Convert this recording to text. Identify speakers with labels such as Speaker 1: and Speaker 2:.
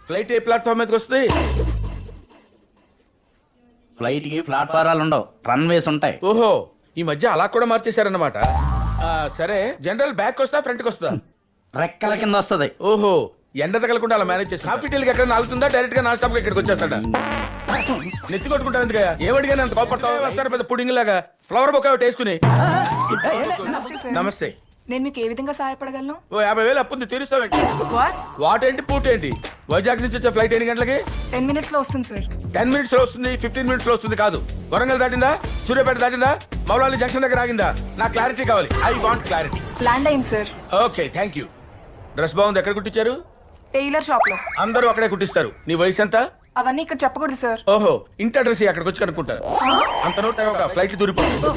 Speaker 1: Flight ఏ platform మీదకి వస్తుంది?
Speaker 2: Flight కి ప్లాట్ఫారాలు ఉండవు, రన్వేస్ ఉంటాయి.
Speaker 1: ఓహో, ఈ మధ్య అలా కూడా మార్చేశారన్నమాట. సరే, జనరల్ బ్యాక్ వస్తా ఫ్రంట్కి వస్తా?
Speaker 2: రెక్కల కింద వస్తది.
Speaker 1: ఓహో, ఎండ తగలకుండా అలా మేనేజ్ చేసి కాఫీ టీలకి ఎక్కడ నాలుగుతుందా, డైరెక్ట్ గా నాన్ స్టాప్ ఇక్కడికి వచ్చేస్తాడా? నెత్తి కొట్టుకుంటాను ఎందుకయ్యా? ఏమడిగానే అంత కోపడతావు? వస్తారు పెద్ద పుడింగ్ లాగా. ఫ్లవర్ బొక్క ఒకటి వేసుకుని. నమస్తే.
Speaker 3: నేను మీకు ఏ విధంగా సహాయపడగలను?
Speaker 1: ఓ 50,000 అప్పుంది, తీరుస్తావేంటి? వాట్ ఏంటి పూట ఏంటి? వైజాగ్ నుంచి వచ్చే ఫ్లైట్ ఎన్ని గంటలకి?
Speaker 3: 10 minutes లో వస్తుంది సార్.
Speaker 1: 10 minutes లో వస్తుంది, 15 minutes లో వస్తుంది కాదు. వరంగల్ దాటిందా, సూర్యాపేట దాటిందా, మౌలాలి జంక్షన్ దగ్గర ఆగిందా? నాకు క్లారిటీ కావాలి. I want clarity.
Speaker 3: ల్యాండ్ అయింది sir.
Speaker 1: Okay, thank you. Dress బాగుంది. ఎక్కడ కుట్టించారు?
Speaker 3: టైలర్ షాప్ లో.
Speaker 1: అందరూ అక్కడే కుట్టిస్తారు. నీ వయసు ఎంత?
Speaker 3: అవన్నీ ఇక్కడ చెప్పకూడదు సార్.
Speaker 1: ఓహో, ఇంటి అడ్రస్ అక్కడికి వచ్చి కనుక్కుంటారు. అంత నోట్ ఫ్లైట్ దూరిపోతుంది.